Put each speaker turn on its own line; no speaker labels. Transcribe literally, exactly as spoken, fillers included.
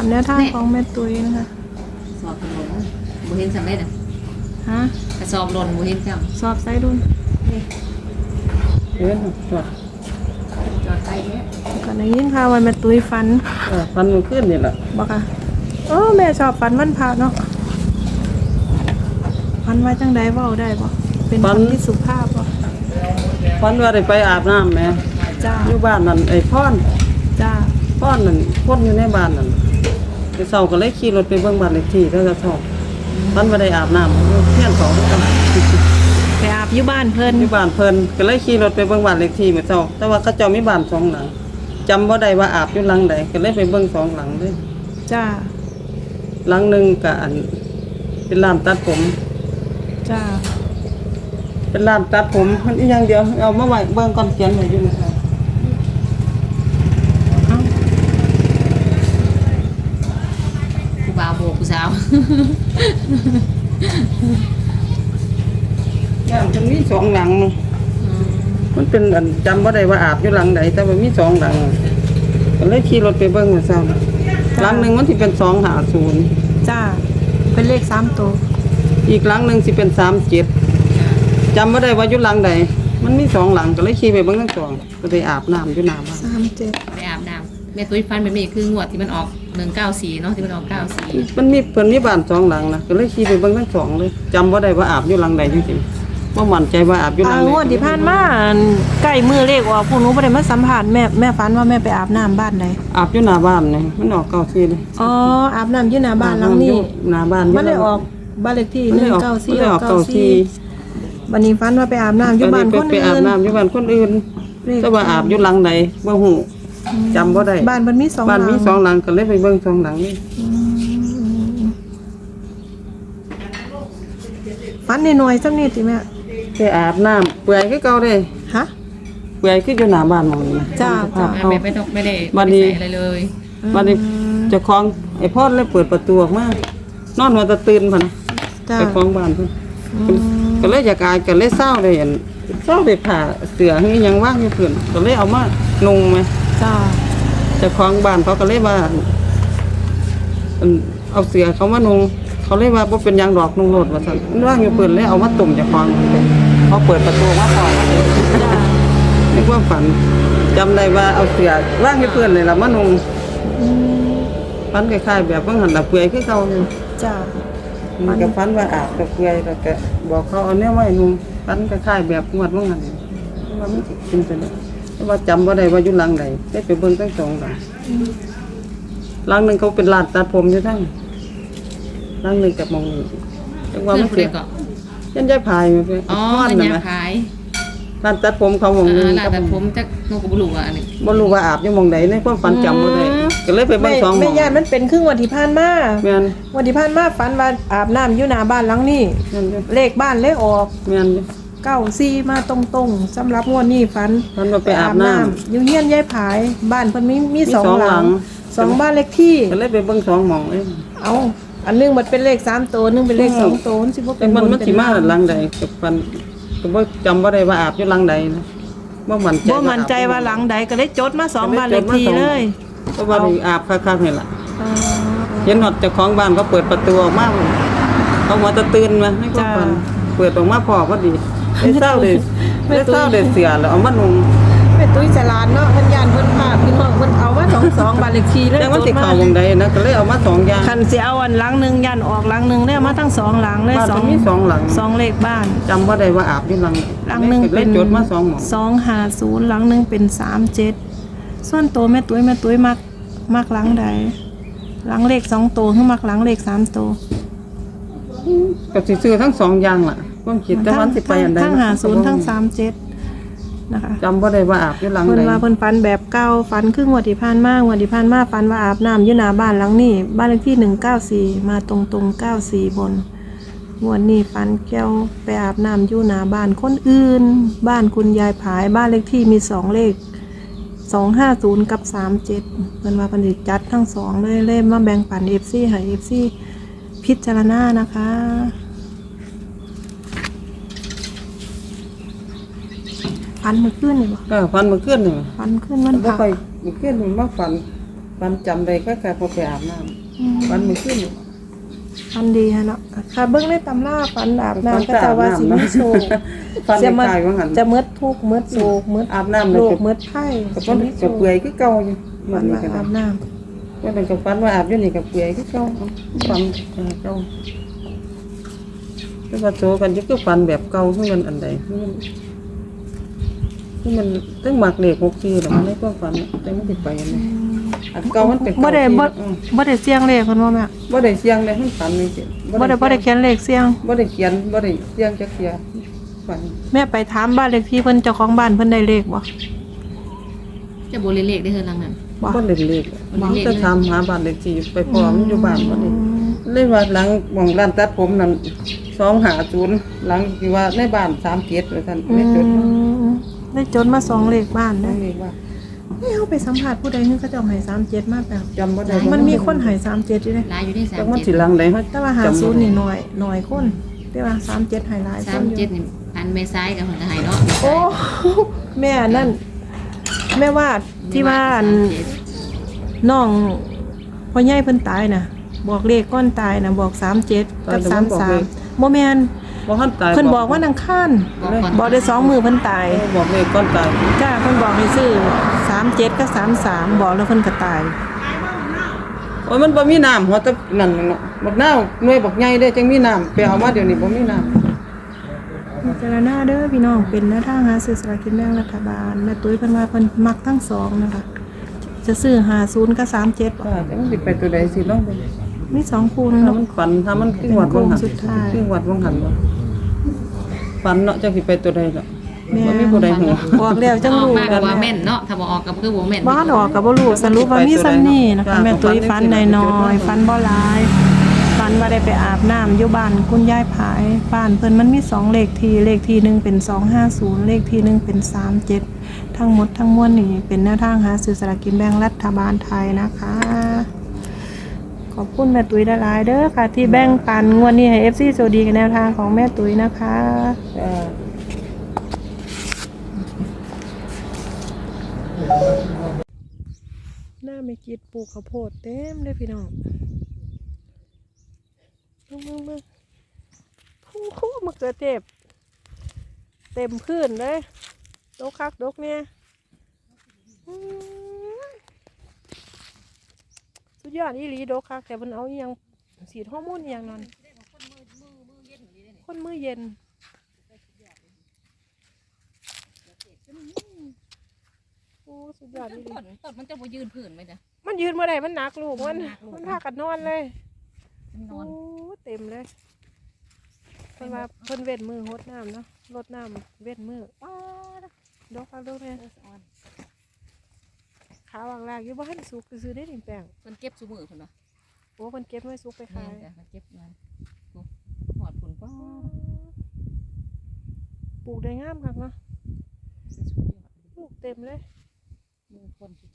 แนวทางของแม่ตุ้ยนะคะ
สอบถนนบ่เห็นสำเร็จอ่ะ
ฮะ
กระสอบหล่นบ่เห็นจ
ำสอบไซดุน
เอ๊ะจอด
จอดไปเนี่ย
ก่อนในยินข่าวว่าแม่ตุ้ยฟัน
เออฟันมันขึ้นนี่แหละ
บอกค่ะโอ้แม่ชอบฟันมันพาเนาะฟันไว้จังใดเว้าได้บ่เป็นฟันที่สุภาพบ่
ฟันว่าได้ไปอาบน้ำแม่
จ้า
อยู่บ้านนั่นไอ้พ่อน
จ้า
พ่อนนั่นพ่นอยู่ในบ้านนั่นไปเช้าก็เลยขี่รถไปเบิ่งบ้านเลขที่แล้วก็ชอบฟันว่าได้อาบน้ำเที่ยงสองกัน
ไปอาบอยู่บ้านเพิ่น
อยู่บ้านเพิ่นก็เลยขี่รถไปเบิ่งบ้านเลขที่มื้อเช้าแต่ว่าเขาเจ้ามีบ้านสองหลังจำบ่ได้ว่าอาบอยู่หลังใดก็เลยไปเบิ่งสองหลังเด้
จ้า
หลังนึงก็อันเป็นร้านตัดผม
จ้า
เป็นร้านตัดผมมันอีกอย่างเดียวเอามาไว้เบิ่งก่อนเขียนไว้อยู่นะครับ
ผู้บ่าวโบกผู้สาว
ย่างมันมีสองหลังมันเป็นอันจำบ่ได้ว่าอาบอยู่หลังใดแต่ว่ามีสองหลังก็เลยขี่รถไปเบิ่งว่าซั่นหลังนึงมันสิเป็นสองห้าศูนย์
จ้าเป็นเลขสามตัว
อีกหลังนึงสิเป็นสามเจ็ดจำบ่ได้ว่าอยู่หลังใดมันมีสองหลังก็เลยขี่ไปเบิ่งทั้งสองก็ได้อาบน้ำอยู่น้ำบ้าน
สามเจ็ด
ไปอาบน้ำแม่ตุ้ยฟันแบบนี้คืองวดที่มันออกหนึ่งเก้าสี่เนาะที่มันออกเก้าสี่
มันมีเพิ่นมีบ้านสองหลังนะก็เลยขี่ไปเบิ่งทั้งสองเลยจำบ่ได้ว่าอาบอยู่หลังใดจริงๆบ่มั่นใจว่าอาบอยู่หลังใด
งวดที่ผ่านมาใกล้มือเลขออกพวกหนูบ่ได้มาสัมภาษณ์แม่แม่ฝันว่าแม่ไปอาบน้ำบ้านใด
อาบอยู่หน้าบ้านนี่มันออกเก้าสี่เลย
อ๋ออาบน้ำอยู่หน้าบ้านหลังนี้
หน้าบ้าน
มันได้ออกบ้านเลขที่หนึ่งเก้าสี่ออกเก้าสี่วันนี้ฝันว่าไปอาบน้ำอยู่บ้านคนอื่น
ไปอาบน้ำอยู่บ้านคนอื่นแต่ว่าอาบอยู่หลังใดบ่ฮู้จำบ่ได้
บ้านมันมีสองหลัง
บ้านมีสองหลังก็เลยไปเบิ่งสองหลังนี่
ฝันน้อยๆจังนี้ติแม่
ไปอาบน้ำเปื่อยคือเก่าเด้
ฮะ
เปื่อยคืออยู่หน้าบ้านหม่องนี้
จ้าจ้า
แม่ไม่ต้องไม่ได้
บัดนี้
อะไรเลย
บัดนี้เจ้าของไอ้พ่อเลยเปิดประตูออกมานอนหัวตะตื่นพุ่นน่ะไปฟ้องบ้านเพิ่นก็เลยอยากอายก็เลยเศร้าเลยเห็นเศร้าได้ผ่าเสือให้ยังว่างอยู่เพิ่นก็เลยเอามานุ่งมั้ย
จ้า
เจ้าของบ้านเขาก็เลยว่าเอาเสือเขามานุ่งเขาเลยว่าบ่เป็นยางดอกนุ่งโลดว่าซั่นว่างอยู่เพิ่นเลยเอามาตุ่มเจ้าของเขาเปิดประตูมาพอจ้านึกว่าฝันจำได้ว่าเอาเสือว่างอยู่เพิ่นเลยล่ะมานุ่งฝันคล้ายๆแบบว่าหั่นล่ะเปื่อยคือเก่าอยู่
จ้า
มันก็ฝันว่าอาบตะเปื่อยแล้วก็บอกเขาเอาแนวไว้นุ่งฝันคล้ายๆแบบงวดว่างั้นว่ามันสิเป็นไปได้แต่ว่าจำบ่ได้ว่าอยู่หลังใดได้ไปเบิ่งทั้งสองหลังหลังนึงเขาเป็นร้านตัดผมอยู่ทั้งหลังนึงกับมองจังว่ามันเสียยันยายพายมั้ย
อ๋อยันยายพาย
ร้านตัดผมเขามองนึง
ร้านตัดผมจักนูก็บ่รู้ว่าอันนี้
บ่รู้ว่าอาบอยู่มองใดในความฝันจำบ่ได้ก็เลยไปเบิ่งสองหม้อง
แม่ญาติมันเป็นครึ่งวันที่ผ่านมา
แม่น
วันที่ผ่านมาฝันว่าอาบน้ำอยู่หน้าบ้านหลังนี้เลขบ้านเลขออก
แม่น
เก้าสี่มาตรงๆสำหรับงวดนี้ฝัน
ฝันว่าไปอาบน้ำ
อยู่เฮียนยายผายบ้านเพิ่นมีมีสองหลังสองบ้านเลขที่
ก็เลยไปเบิ่งสองหม้องเอ้
เอาอันนึงมันเป็นเลขสามตัวนึงเป็นเลขสองตัวสิบ่เป็น
มันมันสิมาหลังใดกับฝันก็บ่จำบ่ได้ว่าอาบอยู่หลังใดนะบ่มั่นใจ
บ่มั่นใจว่าหลังใดก็เลยจดมาสองบ้านเลขที่เลย
เพราะว่าอาบคักๆนี่ล่ะเห็นฮอดเจ้าของบ้านเขาเปิดประตูออกมาเขาหัวตะตื่นมาให้ความฝันเปิดออกมาพอพอดีได้เศร้าเลยได้เศร้าได้เสียแล้วเอามานุ่ง
แม่ตุ้ยฉลาดเนาะเพิ่นย่านเพิ่นพาพี่น้องเพิ่นเอามาสองสองบ้านเลขที่เลย
แต่มันสิเข้าจังได๋นะก็เลยเอามาสองอย่าง
คันสิเอาอันหลังนึงย่านออกหลังนึงได้มาทั้งสองหลังเลย
สองมีสองหลัง
สองเลขบ้าน
จำบ่ได้ว่าอาบอยู่หลัง
หลังนึงเป็น
จดมาสองหม้อง
สองห้าศูนย์หลังนึงเป็นสามเจ็ดส่วนตัวแม่ตุ้ยแม่ตุ้ยมักมักหลังใดหลังเลขสองตัวคือมักหลังเลขสามตัว
ก็สิซื้อทั้งสองอย่างล่ะความคิดแต่มันสิไปอันใด
ทั้งห้าศูนย์ทั้งสามเจ็ดนะคะ
จำบ่ได้ว่าอาบอยู่หลังใด
เพิ่นว่าเพิ่นฝันแบบเก่าฝันครึ่งวันที่ผ่านมางวดที่ผ่านมาฝันว่าอาบน้ำอยู่หน้าบ้านหลังนี้บ้านเลขที่หนึ่งเก้าสี่มาตรงๆเก้าสี่บนงวดนี้ฝันแก้วไปอาบน้ำอยู่หน้าบ้านคนอื่นบ้านคุณยายผายบ้านเลขที่มีสองเลขสองห้าศูนย์กับสามเจ็ดเพิ่นว่าเพิ่นสิจัดทั้งสองเลยเลยมาแบ่งปัน เอฟ ซี ให้ เอฟ ซี พิจารณานะคะฝันเมื่อคืนนี่บ่
ก็ฝันเมื่อคืนนี่
ฝันคืนวัน
บ่ค่อยเมื่อคืนนี่มาฝันฝันจำได้ก็แค่พอไปอาบน้ำ
อืม
ฝันมื้อคืน
ฟันดีฮะเนาะค่ะเบิ่งในตำราฟันอาบน้ำก็จะว่าสิมีโชค
ฝัน
จะมา
คล้ายๆว่าหั่น
จะมืดทุกข์มืดโศกมืด
อาบน้ำแล้
โร
ว
ค
ก็
มืดไข้
ก็
สิ
บ่
มีโช
ก็
ค
เปื่อยคือเก่าอยู่
ฟั
มัน นนี่
ว่า
ก็
อาบน้
ว่ามันก็ฝันว่าอาบอยู่นี่ก็เปื่อยคือเก่าฝันเก่าแต่ว่าโตกันอยู่คือฝันแบบเก่าคือมันอันใดคือมันคือมันตึงมักเลขหกสี่แล้วมันในความฝันน่ะแต่มันสิไปอันนี้อันเก่ามันเป็น
ำบ่ได้บ่
อืม
บ่ได้เสียงเลขเพิ่นว่าแม่
บ่ได้เสียงเลยมันฝันนี่สิ
บ่ได้บ่ได้เขียนเลขเสียง
บ่ได้เขียนบ่ได้เสียงจักเที่ยฝัน
แม่ไปถามบ้านเลขที่เพิ่นเจ้าของบ้านเพิ่นได้เลขบ่
จะโบเลเลขได้เฮือนหลังนั้น
บ่
บ่เล่นเลข
บ่เล่นเลข
จะถามหาบ้านเลขที่ไปพร้อมอยู่บ้านบ่นี่เลยว่าหลังหม่องร้านตัดผมนั่นสองห้าศูนย์หลังที่ว่าในบ้านสามเจ็ดว่าซั่น
อื
ไม่จด
มได้จดมาสองเลขบ้าน
นั่
เด้
นเลขว่า
เฮ้ยเฮาไปสัมภาษณ์ผู้ใดนึงเขาเจ้าให้สามเจ็ดมาแบบ
จำบ่ได้
มันมีคนให้สามเจ็ดอยู่เด้
หลายอยู่ที่สา
จั
ม
กมัน
เจ็
สิ
ด
หลังใดเฮา
แต่ว่าหาศูนย์นี่น้อยน้อยคนแต่ว่าสามเจ็ดให้หลายค
สาม
นอยู่
เจ็ดนี่อันเมซ้ายกับคนจะหายเนาะ
โอ้ แม่นั่น แม่ว่าที่ว่าอันน้องพ่อใหญ่เพิ่นตายน่ะ บอกเลขก้อนตายน่ะบอกสามเจ็ดกับสามสามโมแมน
บ่ทันตาย
เพิ่นบอกว่านังค้าน
บอกก่อน
บอกได้สองมือเพิ่นตาย
เออบอกเลขก่อนตาย
จ้าเพิ่นบอกให้ซื้อสามเจ็ดกับสามสามบอกแล้วเพิ่นก็ตาย
โอ้ยมันบ่มีน้ำหัวแต่นั่นเนาะบักนาวหน่วยบักใหญ่เด้จังมีน้ำไปเอามาเดี๋ยวนี้บ่มีน้ำ
พิจารณาเด้อพี่น้องเป็นแนวทางหาซื้อสลากกินแบ่งรัฐบาลแม่ตุ้ยเพิ่นว่าเพิ่นมักทั้งสองนะคะ จะซื้อห้าศูนย์กับสามเจ็ด
ว่าแต่มันสิไปตัวใดสิลองเบิ่ง
มีสองคู่นึง
ถ้า
เนาะ
มันฝันถ้ามันคือหวัดบ่หัน
เป็นโค้งสุดท้าย
คือหวัดบ่หันบ่ฝันเนาะจังสิไปตัวใดเนาะ
แม่
บ่มีผู้ใดฮู้
บอกแล้วจัง
ออก
รู้
มาก
กั
ว่าน แม่นเนาะถ้าบ่ออกก็คือบ่แม่น
บ้านออกกับบ่รู้สรุปว่ามีซ้ำนี่นะคะแม่ตุ้ยฟันน้อยๆฟันบ่หลายฟันว่าได้ไปอาบน้ำอยู่บ้านคุณยายผายบ้านเพิ่นมันมีสองเลขที่เลขที่หนึ่งเป็นสองห้าศูนย์เลขที่หนึ่งเป็นสามเจ็ดทั้งหมดทั้งมวลนี่เป็นแนวทางหาซื้อสลากกินแบ่งรัฐบาลไทยนะคะ ขอบคุณแม่ตุ้ยหลายๆเด้อค่ะ ที่แบ่งปันงวดนี้ให้ เอฟ ซี โชคดีกับแนวทางของแม่ตุ้ยนะคะ
จ้า
หน้าไม่กิดปลูกข้าวโพดเต็มเลยพี่น้องมึงมึงมึงคู่คู่มะเขือเทศเต็มพื้นเลยดกคักดกเนี่ยอื้อสุดยอดอีหลีดกคักแต่มันเอาอหยังสีฮอร์โมนอหยังนั่นคนมือเย็นโอ้สุดยอดอีหลี
ต้นต้นมันจะบ่ยืนพื้นไหมจ๊ะ
มันยืนเมื่อไหร่มันหนักลูกมันมันพากันนอนเลย
มันน
โอ้
อน
เต็มเลยเพิ่นว่าเพิ่นเว้นมือหดน้ำเนาะรดน้ำเว้นมือป้าดดอกเอาลูกเนี่ยขาวางลากอยู่บ้านสุกซื้อได้หนึ่งแปลง
เพิ่นเก็บซุมื้อเพิ่นว่า
โอ้เพิ่นเก็บไว้สุกไป
แม่
ขาย
นจ้ะมันเก็บมันโอ้หอดผลก็
ปลูกได้งามคักเนาะ
สุดยอด
ลูกเต็มเลย
มือคนสุ